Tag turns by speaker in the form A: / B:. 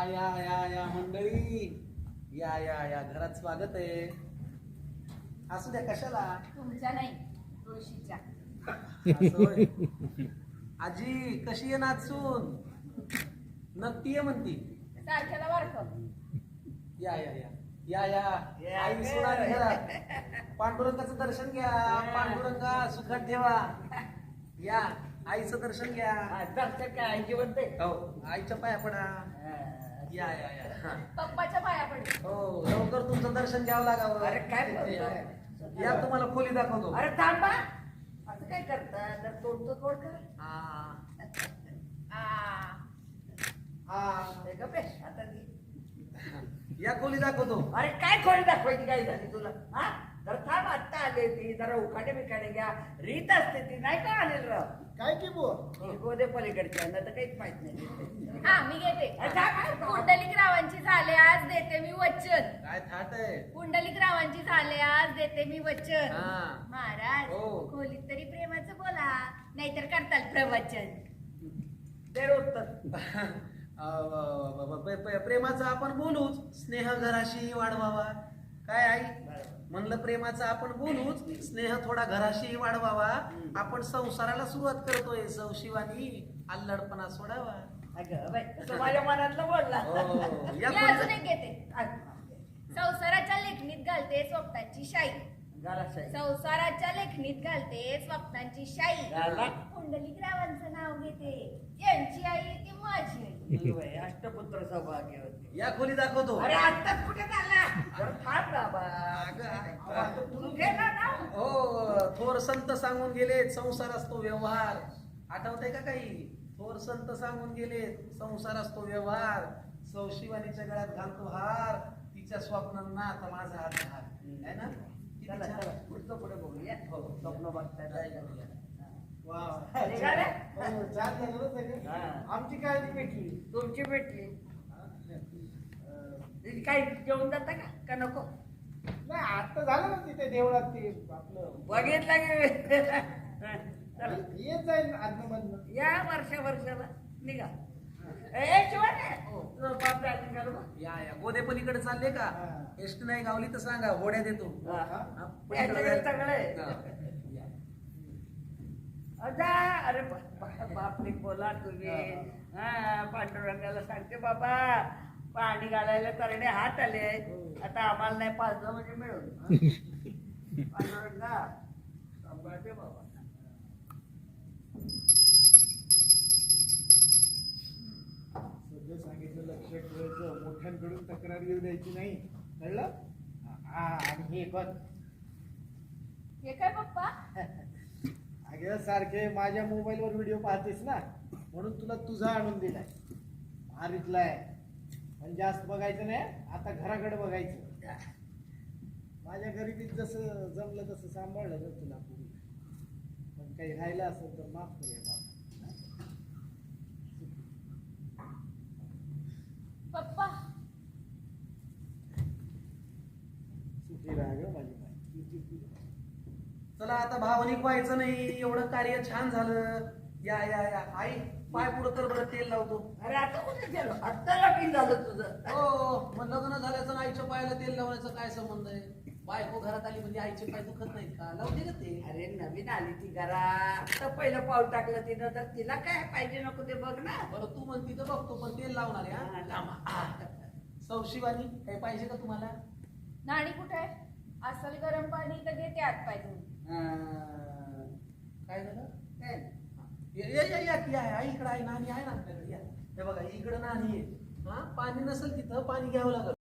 A: या मंडळी, या घरात स्वागत आहे. असू द्या, कशाला
B: तुमच्या नाही, तुळशीच्या.
A: असं होय. आजी कशी आहे नाचून? नक्की आहे म्हणती.
B: सारख्याला वारख.
A: या आई सोनाली घरात. पांडुरंगाचं दर्शन घ्या. पांडुरंगा सुखात ठेवा. या आईचं दर्शन घ्या.
C: दर्शन काय आई जिवंत आहे?
A: हो, आईच्या पाया पडा. या
B: पप्पाच्या पाया पडे.
A: हो, लवकर तुमचं दर्शन घ्यावं लागावं.
C: अरे काय बोलतोय?
A: या तुम्हाला खोली दाखवतो.
C: अरे थांबा, असं काय करता? जर तोडतो तोड कर. हे गप्प आहे, आता ती.
A: या खोली दाखवतो.
C: अरे काय खोली दाखवायची काय झाली तुला? हा, जर थांब, आत्ता आले ती, जरा उखाडे बिखाडे घ्या. रीत असते ती, नाही का आलेल राव?
D: काय की बुवा?
C: गोदे पलीकडच्या ना तर काहीच माहित नाही.
B: हा, मी घेते.
C: अरे काय
B: पुंडलिक रावांची झाले, आज देते मी वचन.
A: काय थाट आहे?
B: पुंडलिक रावांची झाले, आज देते मी वचन.
A: हा.
B: महाराज,
A: हो.
B: खोलीत तरी प्रेमाचं बोला, नाहीतर करताल प्रवचन.
C: ते उत्तर.
A: प्रेमाचं आपण बोलूच. स्नेह घराशी वाढवावा. काय आई म्हणलं? प्रेमाचं आपण बोलूच. स्नेह थोडा घराशी वाढवावा. आपण संसाराला सुरुवात करतोय. सौशिवानी अल्लडपणा सोडावा.
C: अगं बाई, तसं माझ्या मनातलं बोलला.
A: हो,
B: मी
A: या
B: अजून एक घेते. संसाराच्या लेखणीत घालते स्वप्नांची शाई.
C: घराशाही.
B: संसाराच्या लेखणीत घालते स्वप्नांची शाई.
C: घाला.
B: पुंडलिक रावांचं नाव घेते. यांची आई ती माझी आई.
C: बाई, अष्टपुत्र सौभाग्यवती.
A: या खोली दाखवतो.
C: अरे आत्ताच कुठे झाला? जरा थांब बाबा. तू घे ना नाव.
A: हो, थोर संत सांगून गेले, संसार असतो व्यवहार. आठवतंय का काही? थोर संत सांगून गेले, संसार असतो व्यवहार. सौशिवानीच्या गळ्यात घालतो हार, तिच्या स्वप्नांना आता माझा हात हार. आहे ना?
C: चला चला, पुढचं पुढे बघूया.
A: हो,
C: स्वप्न बघताय जायला.
D: वा.
C: निघाले?
D: हो, छान झालं ना सगळं.
C: हा.
D: आमची काळजी भेटली.
C: तुमची भेटली. काय जेवून जाता का नको?
D: नाही, आता झालं ना तिथे देवळात ते आपलं.
C: बघितलं की चला.
D: येत जाईल आतमधनं.
C: या वर्षाला निघा. ए शिवाय बाप राजी करू बा.
A: या गोदे पलीकडे चालले का?
D: हा.
A: एसटी नाही गावली तर सांगा, घोड्या देतो.
C: हा.
A: हा,
C: याच्याकडे सगळं आहे.
A: हा. या.
C: अजा, अरे बापरे, बोला तुम्ही. हा, पांडुरंगाला सांगते बाबा, पाणी घालायला तरणे हात आले. आता आम्हाला नाही पाजलं म्हणजे मिळून. पांडुरंगा सांभाळते बाबा.
D: सगळं सांगितलं, लक्ष ठेवायचं. मोठ्यांकडून तक्रार येऊ द्यायची नाही, कळलं? हा, आणि हे बघ,
B: हे काय पप्पा?
D: अगं सारखे माझ्या मोबाईलवर व्हिडिओ पाहतेस ना, म्हणून तुला तुझा आणून दिलाय. भारीतला आहे, पण जास्त बघायचं नाही. आता घराकडे बघायचं. माझ्या गरिबीत जसं जमलं तसं सांभाळलं ना तुला पूर्वी. पण काही राहिलं असेल तर माफ करूया बाबा.
B: पप्पा,
D: सुखी राहा गं माझी बाई.
A: चला आता भावनिक व्हायचं नाही. एवढं कार्य छान झालं. या आई, पाय पुढं कर बरं, तेल लावतो.
C: अरे आता कुठे गेलो? आत्ता लगीन झालं तुझं.
A: हो, मग लग्न झाल्याचं आणि आईच्या पायाला तेल लावण्याचा काय संबंध आहे? बायको घरात आली म्हणजे आईचे पाय दुखत नाहीत का? लावते का ते?
C: अरे नवीन आली ती घरा, आता पहिलं पाऊल टाकलं तिनं, तर तिला काय पाहिजे नको ते बघ ना.
A: बरं, तू म्हणती तर बघतो, पण तेल लावणार आहे.
C: हा,
A: हा?
C: लावा.
A: सौशिवानी, काही पाहिजे का तुम्हाला?
B: नाणी कुठे आहे? असल गरम पाणी तर घेते आत पाय धुवून.
A: काय झालं?
C: काय?
A: या आई, इकडं आहे, नाणी आहे ना आपल्याकडे. या, हे बघा, इकडं नाणी आहे. हा, पाणी नसेल तिथं पाणी घ्यावं लागलं.